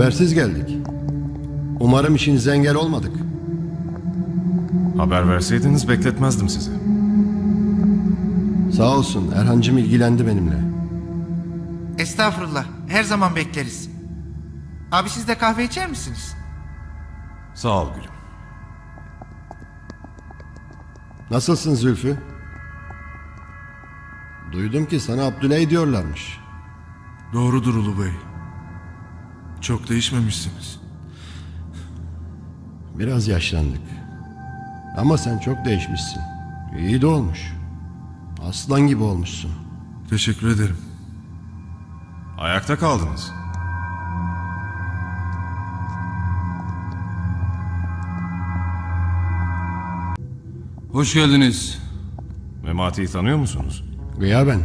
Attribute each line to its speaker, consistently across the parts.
Speaker 1: Habersiz geldik. Umarım işinize engel olmadık.
Speaker 2: Haber verseydiniz bekletmezdim sizi.
Speaker 1: Sağ olsun Erhancığım ilgilendi benimle.
Speaker 3: Estağfurullah. Her zaman bekleriz. Abi siz de kahve içer misiniz?
Speaker 2: Sağ ol gülüm.
Speaker 1: Nasılsın Zülfü? Duydum ki sana Abdüley diyorlarmış.
Speaker 4: Doğrudur Ulu Bey. Çok değişmemişsiniz.
Speaker 1: Biraz yaşlandık. Ama sen çok değişmişsin. İyi de olmuş. Aslan gibi olmuşsun.
Speaker 4: Teşekkür ederim.
Speaker 2: Ayakta kaldınız.
Speaker 5: Hoş geldiniz.
Speaker 2: Memati'yi tanıyor musunuz?
Speaker 1: Gıyaben.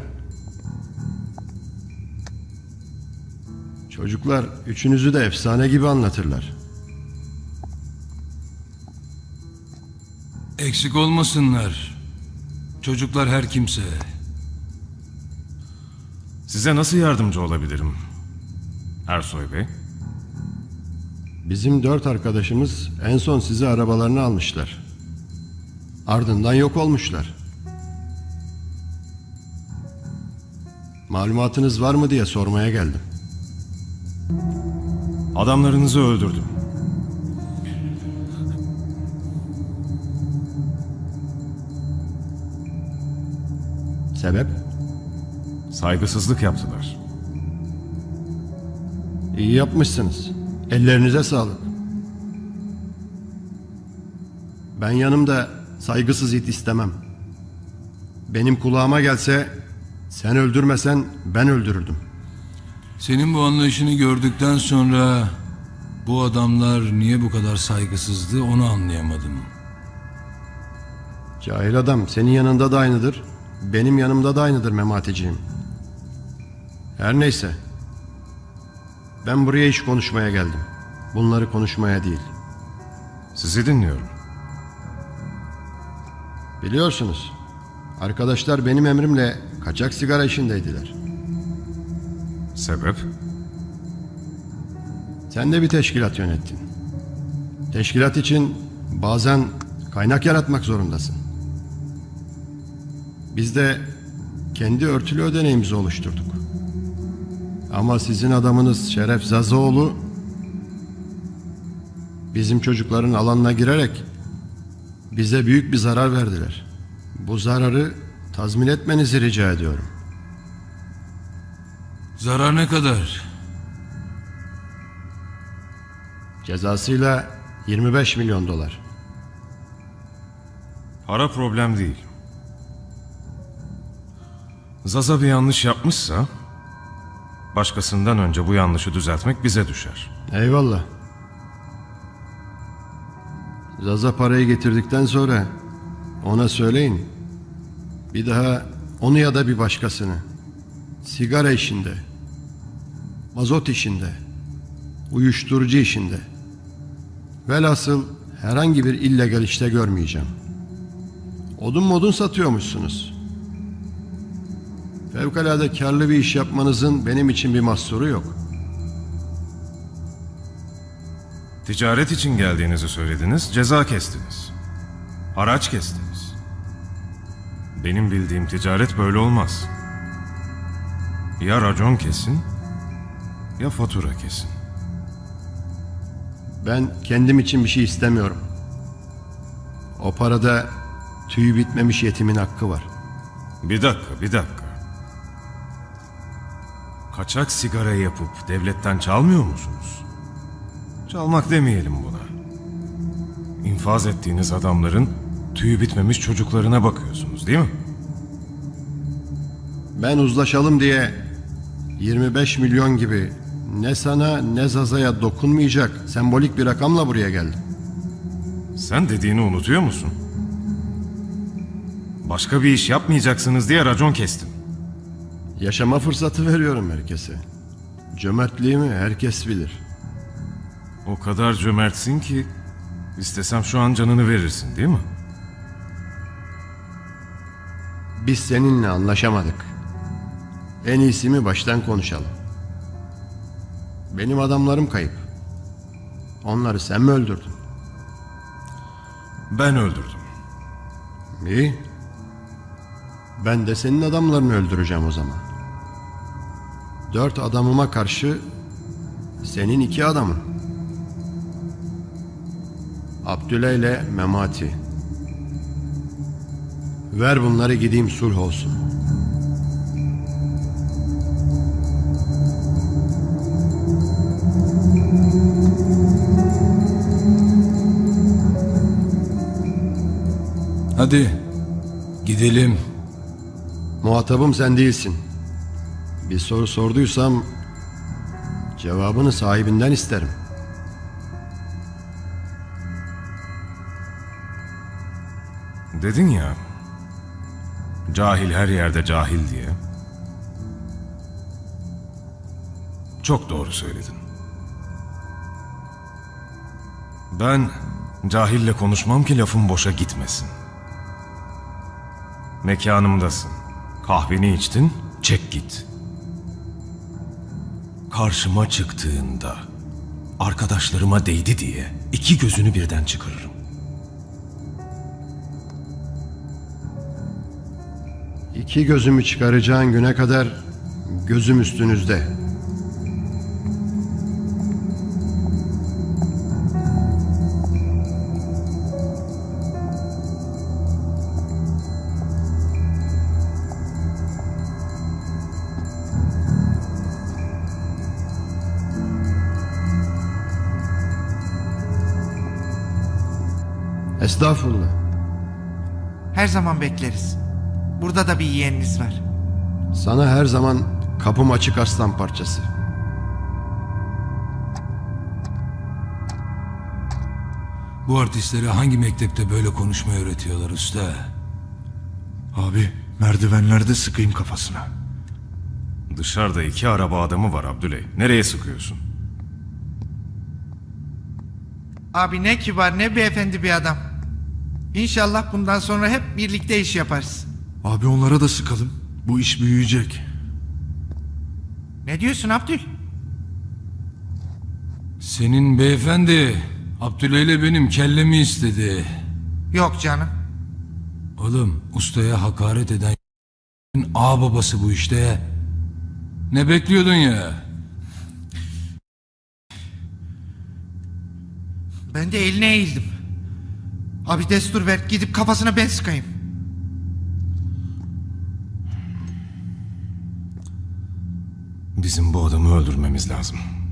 Speaker 1: Çocuklar üçünüzü de efsane gibi anlatırlar.
Speaker 5: Eksik olmasınlar. Çocuklar her kimse.
Speaker 2: Size nasıl yardımcı olabilirim? Ersoy Bey.
Speaker 1: Bizim 4 arkadaşımız en son sizi arabalarını almışlar. Ardından yok olmuşlar. Malumatınız var mı diye sormaya geldim.
Speaker 2: Adamlarınızı öldürdüm.
Speaker 1: Sebep?
Speaker 2: Saygısızlık yaptılar.
Speaker 1: İyi yapmışsınız. Ellerinize sağlık. Ben yanımda saygısız it istemem. Benim kulağıma gelse sen öldürmesen ben öldürürdüm.
Speaker 5: Senin bu anlayışını gördükten sonra bu adamlar niye bu kadar saygısızdı onu anlayamadım.
Speaker 1: Cahil adam senin yanında da aynıdır. Benim yanımda da aynıdır Memateciğim. Her neyse. Ben buraya iş konuşmaya geldim. Bunları konuşmaya değil.
Speaker 2: Sizi dinliyorum.
Speaker 1: Biliyorsunuz, arkadaşlar benim emrimle kaçak sigara işindeydiler.
Speaker 2: Sebep?
Speaker 1: Sen de bir teşkilat yönettin. Teşkilat için bazen kaynak yaratmak zorundasın. Biz de kendi örtülü ödeneğimizi oluşturduk. Ama sizin adamınız Şeref Zazoğlu bizim çocukların alanına girerek bize büyük bir zarar verdiler. Bu zararı tazmin etmenizi rica ediyorum.
Speaker 5: Zarar ne kadar?
Speaker 1: Cezasıyla 25 milyon dolar.
Speaker 2: Para problem değil. Zaza bir yanlış yapmışsa başkasından önce bu yanlışı düzeltmek bize düşer.
Speaker 1: Eyvallah. Zaza parayı getirdikten sonra ona söyleyin. Bir daha onu ya da bir başkasını sigara işinde, mazot işinde, uyuşturucu işinde, velhasıl herhangi bir illegal işte görmeyeceğim. Odun modun satıyormuşsunuz. Fevkalade karlı bir iş yapmanızın benim için bir mahsuru yok.
Speaker 2: Ticaret için geldiğinizi söylediniz, ceza kestiniz. Haraç kestiniz. Benim bildiğim ticaret böyle olmaz. Ya racon kesin, ya fatura kesin.
Speaker 1: Ben kendim için bir şey istemiyorum. O parada tüyü bitmemiş yetimin hakkı var.
Speaker 2: Bir dakika. Kaçak sigara yapıp devletten çalmıyor musunuz? Çalmak demeyelim buna. İnfaz ettiğiniz adamların tüyü bitmemiş çocuklarına bakıyorsunuz değil mi?
Speaker 1: Ben uzlaşalım diye 25 milyon gibi ne sana ne Zaza'ya dokunmayacak sembolik bir rakamla buraya geldim.
Speaker 2: Sen dediğini unutuyor musun? Başka bir iş yapmayacaksınız diye racon kestim.
Speaker 1: Yaşama fırsatı veriyorum herkese. Cömertliğimi herkes bilir.
Speaker 2: O kadar cömertsin ki istesem şu an canını verirsin değil mi?
Speaker 1: Biz seninle anlaşamadık. En iyisi mi baştan konuşalım. Benim adamlarım kayıp. Onları sen mi öldürdün?
Speaker 2: Ben öldürdüm.
Speaker 1: İyi. Ben de senin adamlarını öldüreceğim o zaman. 4 adamıma karşı senin 2 adamın. Abdüle ile Memati. Ver bunları, gideyim, sulh olsun.
Speaker 5: Hadi gidelim.
Speaker 1: Muhatabım sen değilsin. Bir soru sorduysam cevabını sahibinden isterim.
Speaker 2: Dedin ya, cahil her yerde cahil diye. Çok doğru söyledin. Ben cahille konuşmam ki lafım boşa gitmesin. Mekanımdasın. Kahveni içtin, çek git. Karşıma çıktığında arkadaşlarıma değdi diye 2 gözünü birden çıkarırım.
Speaker 1: İki gözümü çıkaracağın güne kadar gözüm üstünüzde. Estağfurullah.
Speaker 3: Her zaman bekleriz. Burada da bir yeğeniniz var.
Speaker 1: Sana her zaman kapım açık, aslan parçası.
Speaker 5: Bu artistlere hangi mektepte böyle konuşmayı öğretiyorlar usta?
Speaker 4: Abi merdivenlerde sıkayım kafasına.
Speaker 2: Dışarıda 2 araba adamı var Abdüley. Nereye sıkıyorsun?
Speaker 3: Abi ne kibar ne beyefendi bir adam. İnşallah bundan sonra hep birlikte iş yaparız.
Speaker 4: Abi onlara da sıkalım. Bu iş büyüyecek.
Speaker 3: Ne diyorsun Abdül?
Speaker 5: Senin beyefendi Abdüle ile benim kellemi istedi.
Speaker 3: Yok canım.
Speaker 5: Oğlum ustaya hakaret eden ağ babası bu işte. Ne bekliyordun ya?
Speaker 3: Ben de eline eğildim. Abi destur ver, gidip kafasına ben sıkayım.
Speaker 2: Bizim bu adamı öldürmemiz lazım.